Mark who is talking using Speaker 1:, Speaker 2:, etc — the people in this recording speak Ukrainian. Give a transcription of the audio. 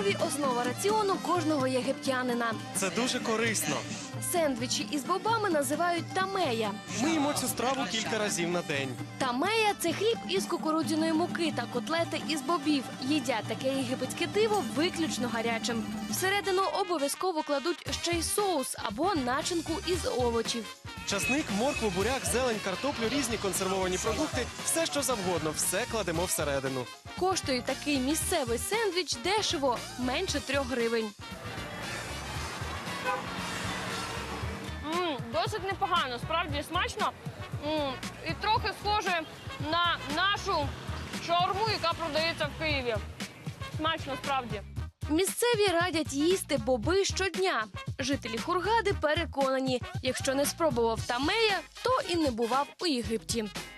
Speaker 1: бобові – основа раціону кожного єгиптянина.
Speaker 2: Це дуже корисно.
Speaker 1: Сендвічі із бобами називають тамея.
Speaker 2: Ми їмо цю страву кілька разів на день.
Speaker 1: Тамея – це хліб із кукурудзяної муки та котлети із бобів. Їдять таке єгипетське диво виключно гарячим. Всередину обов'язково кладуть ще й соус або начинку із овочів.
Speaker 2: Часник, моркву, буряк, зелень, картоплю, різні консервовані продукти – все, що завгодно, все кладемо всередину.
Speaker 1: Коштує такий місцевий сендвіч дешево – менше 3 гривень. Досить непогано, справді смачно. І трохи схоже на нашу шаурму, яка продається в Києві. Смачно, справді. Місцеві радять їсти боби щодня. Жителі Хургади переконані, якщо не спробував тамея, то і не бував у Єгипті.